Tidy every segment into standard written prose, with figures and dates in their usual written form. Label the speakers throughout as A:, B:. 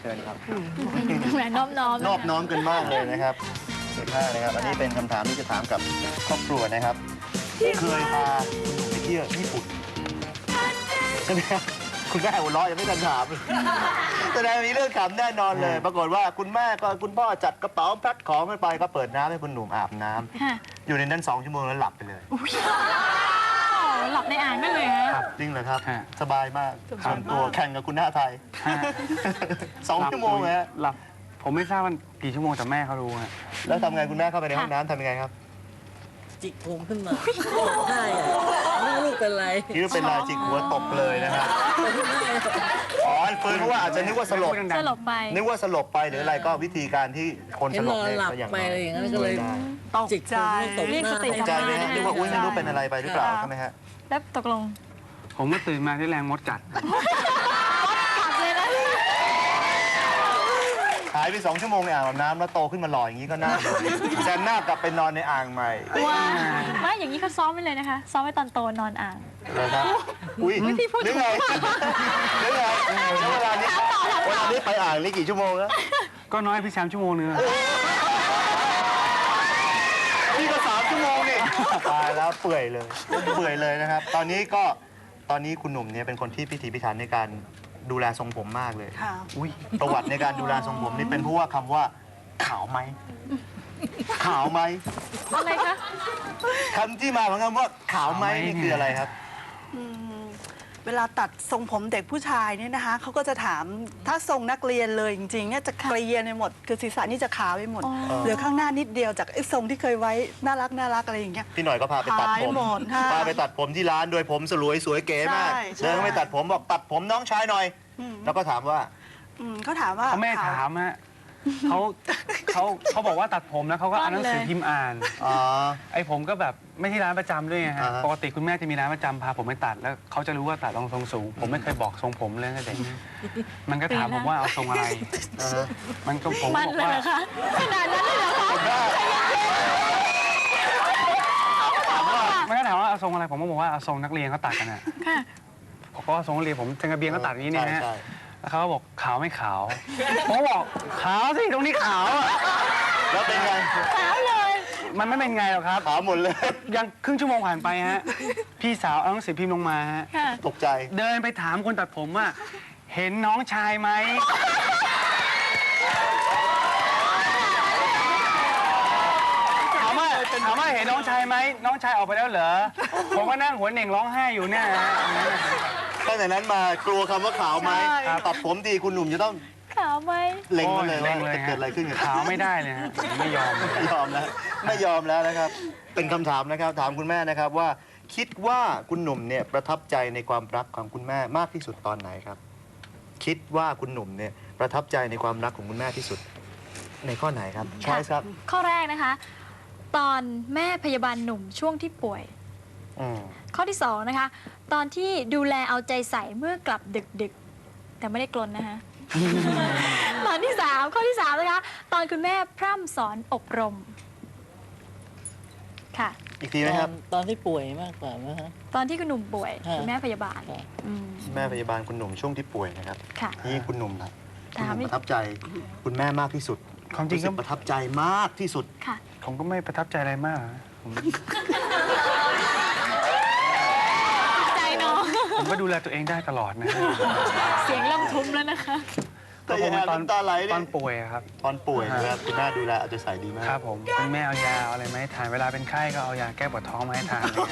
A: ชิญครับ
B: แหมนอบน้อม
A: นอบน้อมกันมากเลยนะครับเก่งมากนะครับอันนี้เป็นคำถามที่จะถามกับครอบครัวนะครับเคยพาคุณหนุ่มไปเที่ยวญี่ปุ่นใช่ไหมครับคุณแม่หัวเราะยังไม่ทันถามแสดงมีเรื่องขำแน่นอนเลย ปรากฏว่าคุณแม่ก็คุณพ่อจัดกระเป๋าแพ็คของกันไปก็เปิดน้ำให้คุณหนุ่มอาบน้ำอยู่ในนั้น2 ชั่วโมงแล้วหลับไปเลย
B: หลับในอ่างได้เลยฮะ
A: จริงเหรอครับสบายมากส่วนตัวแข่งกับคุณหน้าไทย2 ชั่วโมงฮะ
C: หลับผมไม่ทราบว่ากี่ชั่วโมงแต่แม่เขารู้ฮะ
A: แล้วทำไงคุณแม่เข้าไปในห้องน้ำทำยังไงครับ
D: จิกผมขึ้นมาใช่อะไม่รู้เป็นไร
A: คิดว่าเป็นลายจิกหัวตบเลยนะครับอ๋อเฟิร์นเพราะว่าอาจจะนึกว่าสลบ
B: สลบไป
A: นึกว่าสลบไปหรืออะไรก็วิธีการที่คน
D: เห็
A: ส
D: น
A: ล
D: น
A: บ
D: อน
A: เนี่ย
D: หลับ
A: ก็อย่าง
D: ไปอะไรอย่างนั้นก็เลย
E: ตก
D: จิกผ
E: ใจ
D: มตบ
B: เรียก
D: หน้า
B: สติ
D: ให้
B: กลับ
A: ใจ
B: มา
A: ไหมฮะนึกว่าอุ้ยไม่รู้เป็นอะไรไปหรือเปล่าใช่ไหมฮะ
B: แล้วตกลง
C: ผมก็ตื่นมาที่แรงมดกัด
B: กลับเลยนะ
A: หายไป2 ชั่วโมงในอ่างอาบน้ำแล้วโตขึ้นมาหล่ออย่างนี้ก็น่าเลยแซนหน้ากลับไปนอนในอ่างใหม่
B: ว้าไม่อย่างนี้เขาซ้อมไปเลยนะคะ ซ้อมไว้ตอนโตนอนอ่าง
A: เลยครับอุ้ย
B: พี่พูด
A: นึกไงนึกไงแล้วเวลานี้ไปอ่างนี่กี่ชั่วโมงแล้ว
C: ก็น้อยพี่แชมป์ชั่วโมงนึงอะ
A: นี่ก็3 ชั่วโมงนี่ตายแล้วเปื่อยเลยนะครับ ตอนนี้คุณหนุ่มเนี่ยเป็นคนที่พิถีพิถันในการดูแลทรงผมมากเลย
E: ค่ะ
A: อุ้ยประวัติในการดูแลทรงผมนี่เป็นเพราะว่าคำว่าขาวไหมขาวไหม
B: อะไรคะ
A: คำที่มาของคำว่าขาวไหมนี่คืออะไรครับ
E: เวลาตัดทรงผมเด็กผู้ชายเนี่ยนะคะเขาก็จะถามถ้าทรงนักเรียนเลยจริงๆเนี่ยจะเกลียนไปหมดคือศีรษะนี่จะขาวไปหมด เหลือข้างหน้านิดเดียวจากไอ้ทรงที่เคยไว้น่ารักอะไรอย่างเงี้ย
A: พี่หน่อยก็พาไปตัดผม
E: หายหมดค่ะ
A: พาไปตัดผมที่ร้านโดยผมสวยเก๋มาก
E: ใช่ใช่
A: เดินเข้าไปตัดผมบอกตัดผมน้องชายหน่อย แล้วก็ถามว่า
E: เขาถามว่า
C: เขาไม่ถามฮะเขาบอกว่าตัดผมแล้วเขาก็อ่านหนังสือพิมพ์อ่าน
A: อ๋อ
C: ไอ้ผมก็แบบไม่ที่ร้านประจำด้วยไงฮะ
A: อ่าฮะ
C: ปกติคุณแม่จะมีร้านประจำพาผมไปตัดแล้วเขาจะรู้ว่าตัดทรงสูง ผมไม่เคยบอกทรงผมเลยตั้งแต่เด็กมันก็ถามผมว่าเอาทรงอะไร
A: อ่าฮะ
C: มันก็ผม
B: มัน
C: บอก
B: เลย
C: ว่า
B: เหรอคะขนาดนั้นเลยเหรอคะ
C: มันก็ถามว่าเอาทรงอะไรผมก็บอกว่าเอาทรงนักเรียนเขาตัดกันอ่ะ
B: ค่ะ
C: ผมก็ทรงนักเรียนผมจังกระเบียนเขาตัดอย่างนี้เนี่ยนะฮะ
A: ใช่
C: แล้วเขาก็บอกขาวไม่ขาวผมบอกขาวสิตรงนี้ขาวอะ
A: แล้วเป็นไง
B: ขาวเลย
C: มันไม่เป็นไงหรอกครับ
A: ขาวหมดเลย
C: ยังครึ่งชั่วโมงผ่านไปฮะ พี่สาวเอาหนังสือพิมพ์ลงมาฮะ
B: ค่ะ
A: ตกใจ
C: เดินไปถามคนตัดผมว่าเห็นน้องชายไหมถามว่าเห็นน้องชายไหมน้องชายออกไปแล้วเหรอผมก็นั่งหัวเหน่งร้องไห้อยู่เนี่ยฮะ
A: ตั้งแต่นั้นมากลัวคำว่าขาวไหมตัดผมทีคุณหนุ่มจะต้อง
B: ขาวไหม
A: เล็งมาเลยว่า
C: โอ้
A: จะเกิดอะไรขึ้นกับ
C: ขาวไม่ได้เลยฮะผมไม่ยอม
A: ไม่ยอมแล้วไม่ยอมแล้วนะครับ เป็นคำถามนะครับ ถามคุณแม่นะครับว่า คิดว่าคุณหนุ่มเนี่ยประทับใจในความรักของคุณแม่มากที่สุดตอนไหนครับ คิดว่าคุณหนุ่มเนี่ยประทับใจในความรักของคุณแม่ที่สุด ในข้อไหนครับช้อยครับ
B: ข้อแรกนะคะ ตอนแม่พยาบาลหนุ่มช่วงที่ป่วย
A: อืม
B: ข้อที่สองนะคะ ตอนที่ดูแลเอาใจใส่เมื่อกลับดึกๆ แต่ไม่ได้กลนนะคะ ตอนที่สามข้อที่สามนะคะ ตอนคุณแม่พร่ำสอนอบรม ค่ะ
A: อีกทีไหมครับ
D: ตอนที่ป่วยมากกว่านะฮะ
B: ตอนที่คุณหนุ่มป่วย
D: ค่ะ
B: คุณแม่พยาบาล
D: ค่ะ
B: อืม
A: แม่พยาบาลคุณหนุ่มช่วงที่ป่วยนะครับ
B: ค่ะ
A: นี่คุณหนุ่มครับคุณ
B: ถาม
A: หนุ่ม
B: อีก
A: ประทับใจคุณแม่มากที่สุด
C: ความจริงก็
A: สึกประทับใจมากที่สุด
B: ค่ะ
C: ผมก็ไม่ประทับใจอะไรมากนะผม
B: ใจน้อง
C: ผมก็ดูแลตัวเองได้ตลอดนะฮะ
B: เสียงล่ำทุ้มแล้วนะคะ
A: แต่ยังไงน้ำตาไหลเนี่ย
C: ตอนป่วยอะครับ
A: ตอนป่วยนะครับคุณแม่ดูแลเอาใจใส่ดีมาก
C: ครับผมคุณแม่เอายาเอาอะไรมาให้ทานเวลาเป็นไข้ก็เอายาแก้ปวดท้องมาให้ทานอะไรเงี้ย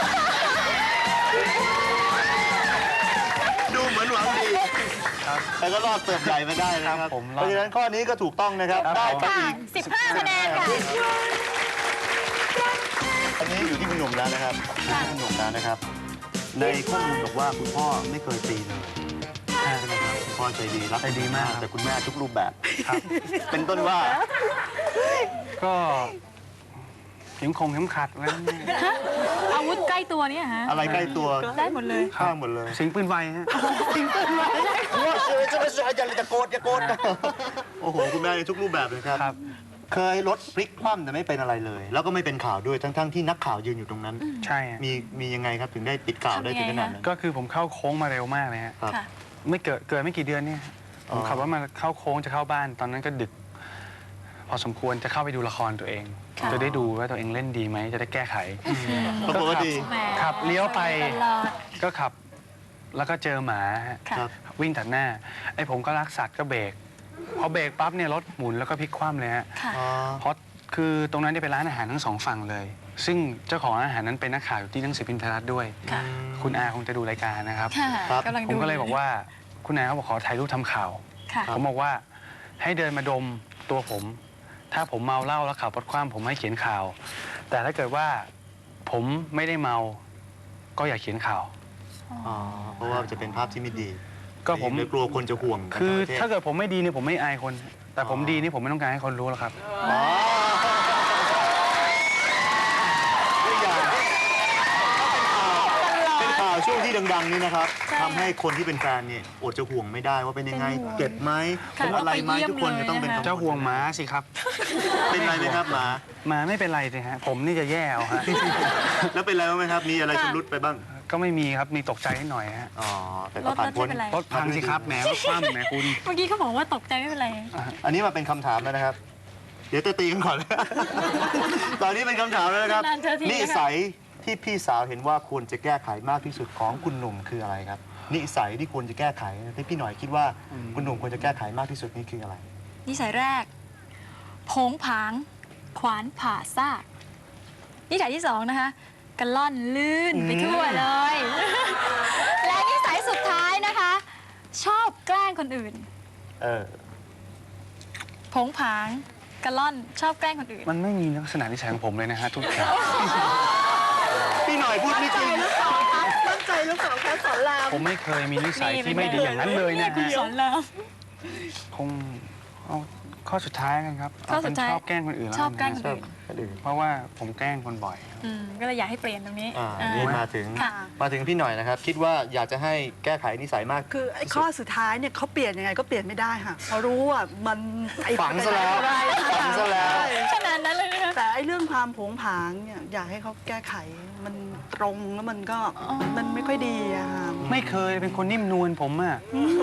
A: ดูเหมือนหวังดี
C: ครับ
A: แต่ก็รอดเติบใหญ่มาได้นะค
C: ครั
A: รับบ
C: ผม
A: เพ
C: รอด
A: ราะฉะนั้นข้อนี้ก็ถูกต้องนะครับ
C: ครับ
A: ได้ไป
B: ค่ะ
A: อีก
B: 15 คะแนนค่ะ
A: อันนี้อยู่ที่คุณหนุ่มแล้วนะครับคุณหนุ่มแล้วนะครับ ในข้อมูลบอกว่าคุณพ่อไม่เคยตีเลยใช่ไหมครับคุณพ่อใจดีรัก
C: ใจดีมากครับ
A: แต่คุณแม่ทุกรูปแบบ
C: ครับ
A: เป็นต้นว่า
C: ก็เข็มเข็มขัดอะไรเนี่ย
B: อาวุธใกล้ตัวเนี่ยฮะ
A: อะไรใกล้ตัว
B: ได้หมดเลย
A: ข้างหมดเลย
C: สิงปืนไวฮะ
A: ว่าจะโกรธโอ้โหคุณแม่ในทุกรูปแบบเลยครับ
C: ครับ
A: เคยรถพลิกคว่ำแต่ไม่เป็นอะไรเลย แล้วก็ไม่เป็นข่าวด้วยทั้งที่นักข่าวยืนอยู่ตรงนั้น
C: ใช่ฮะ
A: มียังไงครับถึงได้ปิดข่าวได้ถึงขนาดนั้น
C: ก็คือผมเข้าโค้งมาเร็วมากเลยฮะ
A: ครับ
B: ค่ะ
C: ไม่เกิดไม่กี่เดือนเนี่ยผมขับรถมาเข้าโค้งจะเข้าบ้านตอนนั้นก็ดึก พอสมควรจะเข้าไปดูละครตัวเอง จะได้ดูว่าตัวเองเล่นดีไหมจะได้แก้ไข
A: ปรากฏว่าดี
B: แหม
C: ขับเลี้ยวไป
B: ตลอด
C: ก็ขับแล้วก็เจอหมาฮะ
B: ค่ะ
A: ครับ
C: วิ่งตัดหน้าไอ้ผมก็รักสัตว์ก็เบรกพอเบรกปั๊บเนี่ยรถหมุนแล้วก็พลิกคว่ำเลยฮะ
B: ค่ะ
A: อ๋อ
C: เพราะคือตรงนั้นเนี่ยเป็นร้านอาหารทั้งสองฝั่งเลย ซึ่งเจ้าของร้านอาหารนั้นเป็นนักข่าวอยู่ที่หนังสือพิมพ์ไทยรัฐด้วย
B: ค่ะ
C: คุณอาคงจะดูรายการนะครับ
B: ค่ะ
A: ครับ
B: กำลัง
C: ผม
B: ดู
C: ก็เลยบอกว่าคุณอาเขาบอกขอถ่ายรูปทำข่าว
B: ค่ะ
C: ผมบอกว่าให้เดินมาดมตัวผม ถ้าผมเมาเหล้าแล้วขับรถคว่ำผมให้เขียนข่าว แต่ถ้าเกิดว่าผมไม่ได้เมาก็อย่าเขียนข่าว
A: อ๋อเพราะว่าจะเป็นภาพที่ไม่ดี
C: ก็ผม
A: เลยกลัวคนจะห่วง
C: คือ
A: ทั้งประเทศ
C: ถ้าเกิดผมไม่ดีเนี่ยผมไม่อายคน แต่ผมดีนี่ผมไม่ต้องการให้คนรู้หรอกครับ
A: อ๋อตัวอย่างเป็นข่าวช่วงที่ดังๆนี่นะครับ
B: ใช่
A: ทำให้คนที่เป็นแฟนเนี่ยอดจะห่วงไม่ได้ว่าเป็นยังไง
B: เป็นห่วง
A: เก็บไหม
B: ค่ะ
A: เป็นอะไรไหม
B: ต้องไปเยี่ยม
A: ทุกคนจะต้องเป็น
B: เลยนะคะ
A: กังวล
C: เจ้าห่วงม้าสิครับ
A: เป็นไรไหมครับหมา
C: ม้าไม่เป็นไรสิฮะผมนี่จะแย่เอาฮะ
A: แล้วเป็นไรบ้างไหมครับ มีอะไรชำรุดไปบ้าง
C: ก็ไม่มีครับมีตกใจนิดหน่อยฮะ
A: อ๋อแต่ก็ผ่านพ้น
B: รถไม่เป็นไร
C: รถพังสิครับแหมรถคว่ำแหมคุณ
B: เมื่อกี้เขาบอกว่าตกใจไม่เป็นไร
A: อันนี้มาเป็นคำถามแล้วนะครับ เดี๋ยวจะตีกันก่อน ตอนนี้เป็นคำถามแล้วนะครับ
B: นานๆเจอทีนะคะ
A: นิสัยที่พี่สาวเห็นว่าควรจะแก้ไขมากที่สุดของคุณหนุ่มคืออะไรครับ นิสัยที่ควรจะแก้ไขที่พี่หน่อยคิดว่าคุณหนุ่มควรจะแก้ไขมากที่สุดนี่คืออะไร
B: นิสัยแรกโผงผาง ขวานผ่าซากนิสัยที่สองนะคะกระล่อนลื่นไปทั่วเลย และนิสัยสุดท้ายนะคะ ชอบแกล้งคนอื่น
A: เออ
B: โผงผางกระล่อนชอบแกล้งคนอื่น
C: มันไม่มีลักษณะนิสัยของผมเลยนะฮะทุกอย่าง
A: พี่หน่อยพูดไม่จริง
E: ตั้งใจหรือเปล่าคะสอนราม
C: ผมไม่เคยมีนิสัยที่ไม่ดีอย่างนั้นเลยนะ
B: คุณ
C: ฮะ
B: สอนราม
C: คงเอาข้อสุดท้ายกันครับ
B: ข้อสุดท้าย
C: เเป็นชอบแกล้งคนอื่นแล้ว
B: ชอบแกล้ง
C: นะ
B: คนอื่น
A: คนอื่น
C: เพราะว่าผมแกล้งคนบ่อย
B: ก็เลยอยากให้เปลี่ยนตรงนี้
A: นี่มาถึง
B: ค่ะ
A: พี่หน่อยนะครับ คิดว่าอยากจะให้แก้ไขนิสัยมาก
E: คือไอ้ข้อสุดท้ายเนี่ยเขาเปลี่ยนยังไงก็เปลี่ยนไม่ได้ค่ะเพราะรู้ว่ามันไอ้
A: ฝังซะแล้ว
E: อะไร
A: ฝังซะแล้ว
E: ใช่
B: ขนาดนั้นเลยนะคะ
E: แต่ไอ้เรื่องความโผงผางเนี่ยอยากให้เขาแก้ไขมันตรงแล้วมันก็มันไม่ค่อยดีอะค่ะ
C: ไม่เคยเป็นคนนิ่มนวลผมอ่ะ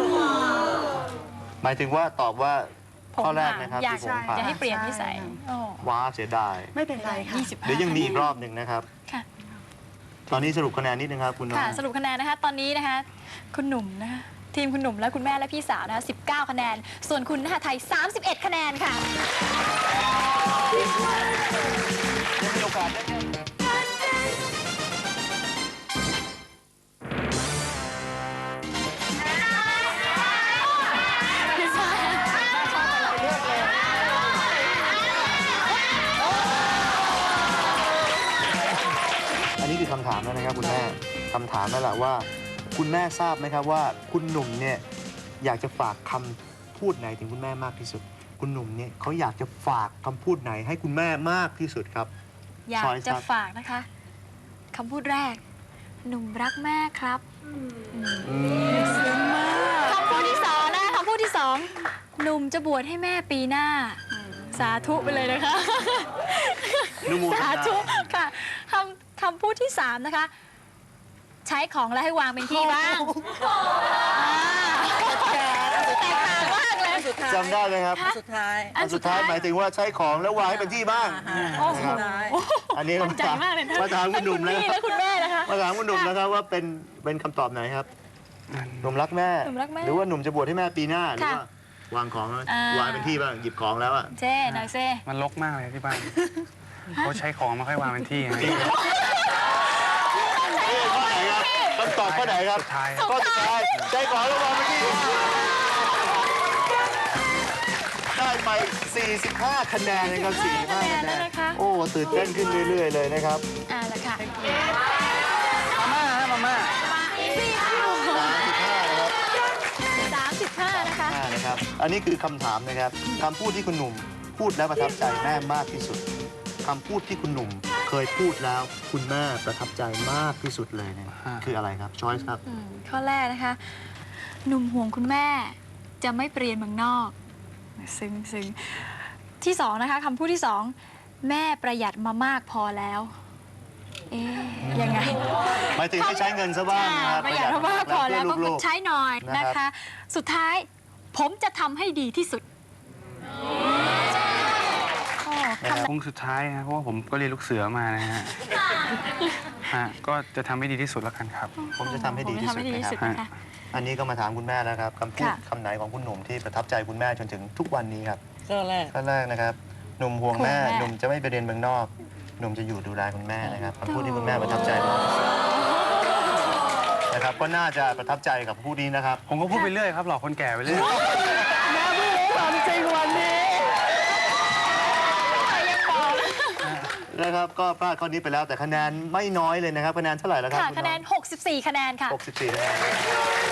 A: หมายถึงว่าตอบว่าข้อแรกนะครับ
B: อยาก
A: ที่ผมผ่าน
B: อยากให้เปลี่ยนนิสัย
E: ใช่
B: โอ้
A: ว้าเสียดาย
E: ไม่เป็นไรค่ะ
A: เดี๋ยวยังมีอีกรอบหนึ่งนะครับ
B: ค่ะ
A: ตอนนี้สรุปคะแนนนิดนึงครับคุณน้อง
B: ค่ะ สรุปคะแนนนะคะ ตอนนี้นะคะ คุณหนุ่มนะคะทีมคุณหนุ่มและคุณแม่และพี่สาวนะคะ19 คะแนน ส่วนคุณนะคะไทย 31 คะแนนค่ะ
A: ยังมีโอกาสได้ อันนี้คือคำถามแล้วนะครับคุณแม่คำถามนั่นแหละว่า คุณแม่ทราบไหมครับว่าคุณหนุ่มเนี่ยอยากจะฝากคำพูดไหนถึงคุณแม่มากที่สุด คุณหนุ่มเนี่ยเขาอยากจะฝากคำพูดไหนให้คุณแม่มากที่สุดครับ
B: อยาก
A: Choice
B: จะ
A: ครับ
B: ฝากนะคะคำพูดแรก หนุ่มรักแม่ครับคำพูดที่สองนะคำพูดที่สองหนุ่มจะบวชให้แม่ปีหน้า สาธุไปเลยนะคะ
A: นุโมทนา
B: สาธุค่ะคำพูดที่สามนะคะ ใช้ของแล้วให้วางเป็นที่บ้างแตกต่างมากเลย
D: สุดท้าย
A: จำได้ไหมครับ
D: สุดท้าย
A: อันสุดท้ายหมายถึงว่าใช้ของแล้ววางให้เป็นที่บ้าง
B: โอ้โห
A: นะครับ อันนี้
B: มั่นใจมากเลยนะ
A: มาถามคุณหนุ่ม
B: ทั้ง
A: นะ
B: พี่และคุณแม่นะคะ
A: มาถามคุณหนุ่มนะครับว่าเป็นคำตอบไหนครับหนุ่มรักแม่
B: หนุ่มรักแม่
A: หรือว่าหนุ่มจะบวชให้แม่ปีหน้าหรือ
B: ค่ะ
A: ว่าวางของแล้ว
B: อ่า
A: วางเป็นที่บ้างหยิบของแล้วอ่ะ
B: เจ้หน่อยเจ้
C: มันรกมากเลยที่บ้านเขาใช้ของมาค่อยวางเป็นที่ไง
A: ข้อไหนครับคำตอบข้อไหนครับ
C: สุดท้าย
A: ข้อสุดท้ายใช้ของแล้ววางเป็นที่ได้ไป 45 คะแนนนะครับ45 คะแนน โอ้ตื่นเต้นขึ้นเรื่อย ๆ เลยนะครับ
B: ละค่ะ
C: มาม่าฮะมาม่า
A: 35 นะครับ
B: 35 นะคะ
A: นะครับ อันนี้คือคำถามนะครับคำพูดที่คุณหนุ่มพูดแล้วประทับใจแม่มากที่สุดคำพูดที่คุณหนุ่มเคยพูดแล้วคุณแม่ประทับใจมากที่สุดเลยเนี่ยคืออะไรครับช้อยส์ครับ
B: ข้อแรกนะคะ หนุ่มห่วงคุณแม่จะไม่เปลี่ยนเมืองนอก ซึ้งที่สองนะคะคำพูดที่สองแม่ประหยัดมามากพอแล้ว เอ๊ยยังไง
A: หมายถึงให้ใช้เงินซะบ้างนะครับ
B: ประหยัดมามากพอแล้วก็
A: เพื่อลูก
B: ใช้หน่อย
A: นะ
B: นะครับ คะ สุดท้ายผมจะทำให้ดีที่สุดโอ้
A: นะครับ
C: คงสุดท้ายฮะเพราะว่าผมก็เรียนลูกเสือมานะฮะฮะก็จะทำให้ดีที่สุดแล้วกันครับ
A: ผมจะทำให้ดีที่สุด
B: ผมจะทำให้ดีที่สุด
A: นะครับ
B: นะคะ
A: อันนี้ก็มาถามคุณแม่แล้วครับคำพูด
B: ค่ะ
A: คำไหนของคุณหนุ่มที่ประทับใจคุณแม่จนถึงทุกวันนี้ครับ
D: ข้อแรก
A: ข้อแรกนะครับหนุ่มห่วงแม่
B: ห่วงแม่
A: หนุ่มจะไม่ไปเรียนเมืองนอก หนุ่มจะอยู่ดูแลคุณแม่นะครับคำพูดที่คุณแม่ประทับใจมากที่สุดนะครับก็น่าจะประทับใจกับผู้นี้นะครับ
C: ผมก็พูดไปเรื่อยครับหลอกคนแก่ไปเรื่อย
E: แม่พูดความจริงวันนี้
A: นะครับก็พลาดข้อนี้ไปแล้วแต่คะแนนไม่น้อยเลยนะครับคะแนนเท่าไหร่แล้วครับ
B: ค่ะ
A: ณ
B: คะแนน
A: อง
B: 64 คะแนนค่ะ
A: 64คะแนน